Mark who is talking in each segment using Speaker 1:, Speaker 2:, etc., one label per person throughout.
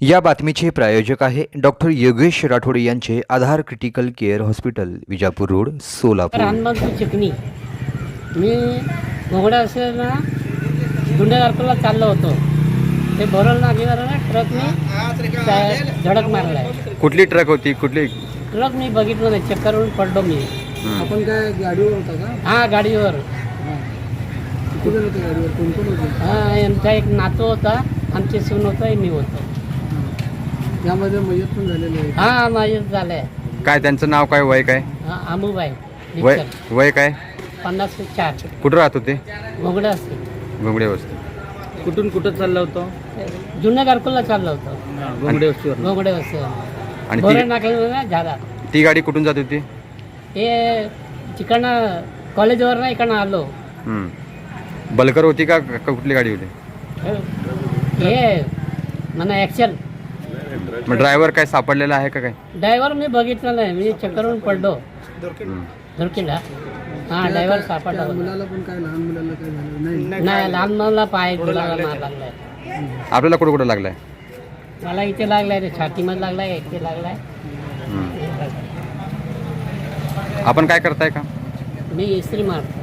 Speaker 1: या बातमीचे प्रायोजक आहे डॉक्टर योगेश राठोड यांचे Aadhaar critical care hospital, Vijapur road, Solapur.
Speaker 2: Hanumantpur चिकणी. मी घोगडा असेल ना गुंडेगारकोला चाललो होतो. ते भरल नागेवर ना ट्रकने धडक मारलाय.
Speaker 1: कुठली ट्रक होती? कुठली
Speaker 2: ट्रक मी बघितलं नाही, चक्करवरून पडलो मी.
Speaker 3: आपण काय गाडीवर होता का?
Speaker 2: हां, गाडीवर.
Speaker 3: किती जण होते गाडीवर? कोण कोण होते?
Speaker 2: हां, यांचा एक नातू होता, आमचे सून होता, मी होतो.
Speaker 3: यामध्ये मयत पण झालेले आहे.
Speaker 2: हां, माझं झालंय.
Speaker 1: काय त्यांचं नाव काय, वय काय?
Speaker 2: आमुबाई
Speaker 1: वय
Speaker 2: दीक्षक.
Speaker 1: वय काय?
Speaker 2: 54.
Speaker 1: कुठं राहत होते?
Speaker 2: घोगडा असते.
Speaker 1: घोंगडे वस्ती.
Speaker 3: कुठून कुठं चाललं होतं?
Speaker 2: जुन्या गारकोला चाललो होतो.
Speaker 3: घोंगडे वस्तीवर.
Speaker 2: घोगडे असते
Speaker 1: आणि
Speaker 2: भरल नागेवर झाला.
Speaker 1: ती गाडी कुठून जात होती?
Speaker 2: हे तिकडनं कॉलेजवर ना इकडनं आलो.
Speaker 1: बलकर होती का कुठली गाडी होती?
Speaker 2: हे म्हणा ॲक्शन.
Speaker 1: मग ड्रायव्हर काय सापडलेला आहे का काय?
Speaker 2: ड्रायव्हर मी बघितलं नाही, मी चक्करवरून पडलो धुरकीला. हां, ड्रायव्हर सापडला होता.
Speaker 3: मुलाला पण काय, लहान मुलाला काय झालं नाही?
Speaker 2: नाही, लहान मुलाला पाय गुलाला मार लागलाय.
Speaker 1: आपल्याला कुठं कुठं लागलाय?
Speaker 2: मला इथे लागलाय, रे छातीमध्ये लागलाय, इथे लागलाय.
Speaker 1: आपण काय करताय का?
Speaker 2: मी इस्त्री मारतो.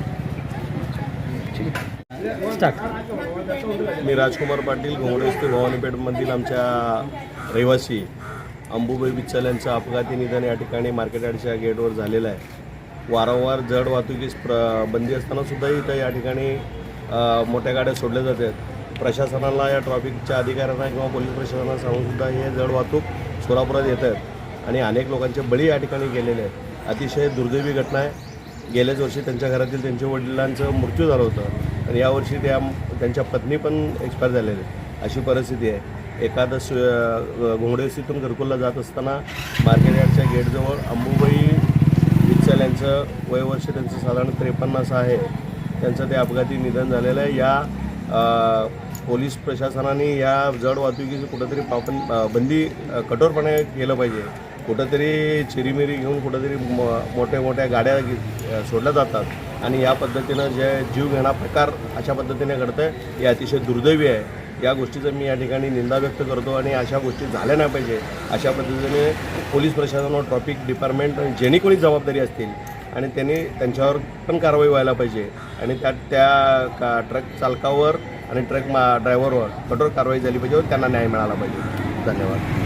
Speaker 4: मी राजकुमार पाटील, घोंगडे भवानीपेठमधील आमच्या रहिवासी अंबुबाई बिच्चल यांचं अपघाती निधन या ठिकाणी मार्केट यार्डच्या गेटवर झालेलं आहे. वारंवार जड वाहतुकीस बंदी असतानासुद्धा इथं या ठिकाणी मोठ्या गाड्या सोडल्या जातात. प्रशासनाला, या ट्रॅफिकच्या अधिकाऱ्यांना किंवा पोलीस प्रशासनाला सांगूनसुद्धा हे जड वाहतूक सोलापुरात येत आहेत आणि अनेक लोकांचे बळी या ठिकाणी गेलेले आहेत. अतिशय दुर्दैवी घटना आहे. गेल्याच वर्षी त्यांच्या घरातील त्यांच्या वडिलांचं मृत्यू झालं होतं आणि यावर्षी त्यांच्या पत्नी पण एक्सपायर झालेले, अशी परिस्थिती आहे. एकादश घोंगडेवस्तीतून घरकुलला जात असताना मार्केट यार्डच्या गेटजवळ अंबुबाई बिच्चल यांचं वयवर्ष त्यांचं साधारण 53 असं आहे. त्यांचं ते अपघाती निधन झालेलं आहे. या पोलीस प्रशासनाने या जड वाहतुकीची कुठंतरी बंदी कठोरपणे केलं पाहिजे. कुठंतरी चिरीमिरी घेऊन कुठंतरी मोठ्या गाड्या सोडल्या जातात आणि या पद्धतीनं जे जीव घेणा प्रकार अशा पद्धतीने घडतं आहे, हे अतिशय दुर्दैवी आहे. या गोष्टीचं मी या ठिकाणी निंदा व्यक्त करतो आणि अशा गोष्टी झाल्या नाही पाहिजे. अशा पद्धतीने पोलीस प्रशासनावर, ट्रॅफिक डिपार्टमेंट, जेणे कोणी जबाबदारी असतील आणि त्यांच्यावर पण कारवाई व्हायला पाहिजे आणि त्या ट्रक चालकावर आणि ट्रक ड्रायव्हरवर कठोर कारवाई झाली पाहिजे व त्यांना न्याय मिळाला पाहिजे. धन्यवाद.